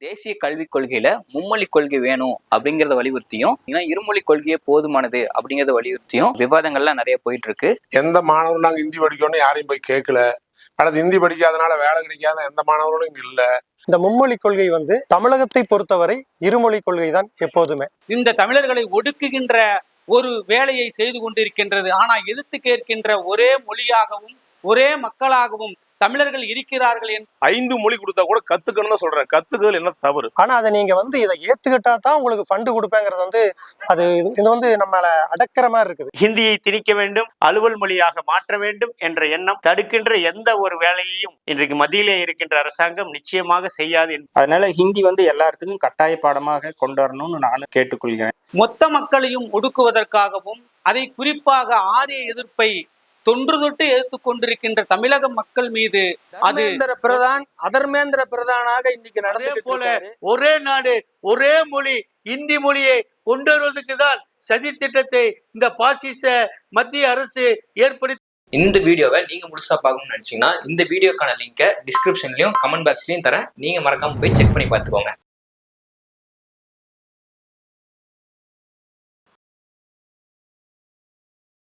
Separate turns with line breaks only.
தேசிய கல்விக் கொள்கையில மும்மொழி கொள்கை வேணும் அப்படிங்கறத வலியுறுத்தியும் இருமொழி கொள்கையே போதுமானது அப்படிங்கறத வலியுறுத்தியும் விவாதங்கள்லாம் நிறைய போயிட்டு இருக்கு.
எந்த மாணவரும் நாங்க ஹிந்தி படிக்கணும்னு யாரையும் போய் கேட்கல. அல்லது ஹிந்தி படிக்காதனால வேலை கிடைக்காத எந்த மாணவர்களும் இங்க இல்ல.
இந்த மும்மொழி கொள்கை தமிழகத்தை பொறுத்தவரை இருமொழி கொள்கை தான் எப்போதுமே.
இந்த தமிழர்களை ஒடுக்குகின்ற ஒரு வேலையை செய்து கொண்டிருக்கின்றது. ஆனா எதிர்த்து கேட்கின்ற ஒரே மொழியாகவும் ஒரே மக்களாகவும் தமிழர்கள் இருக்கிறார்கள்.
5 மொழி கொடுத்தா கூட கத்துக்கணும்னு சொல்றேன். கத்துக்கிறது என்ன தவறு?
ஆனா அதை நீங்க இதை ஏத்துக்கிட்டா தான் உங்களுக்கு ஃபண்டு கொடுப்பேங்கிறது அது இது நம்மள அடக்கிற மாதிரி இருக்குது.
ஹிந்தியை திணிக்க வேண்டும், அலுவல் மொழியாக மாற்ற வேண்டும் என்ற எண்ணம் தடுக்கின்ற எந்த ஒரு வேலையையும் இன்றைக்கு மத்தியிலே இருக்கின்ற அரசாங்கம் நிச்சயமாக செய்யாது.
அதனால ஹிந்தி எல்லாத்துக்கும் கட்டாய பாடமாக கொண்டு வரணும்னு நானும் கேட்டுக்கொள்கிறேன்.
மொத்த மக்களையும் ஒடுக்குவதற்காகவும் அதை குறிப்பாக ஆரிய எதிர்ப்பை தொன்று தொட்டு எதிர்த்துக் கொண்டிருக்கின்ற தமிழக மக்கள் மீது
அதர்மேந்திர பிரதானாக இன்னைக்கு நடந்தே போல ஒரே நாடு ஒரே மொழி இந்தி மொழியை கொண்டு வருவதற்கு தான் சதி திட்டத்தை இந்த பாசிச மத்திய அரசு ஏற்படுத்தி.
இந்த வீடியோவை நீங்க முழுசா பார்க்கணும்னு நினைச்சீங்கன்னா இந்த வீடியோக்கான லிங்கை டிஸ்கிரிப்ஷன்லயும் கமெண்ட் பாக்ஸ்லயும் தரேன். நீங்க மறக்காம போய் செக் பண்ணி பார்த்துக்கோங்க.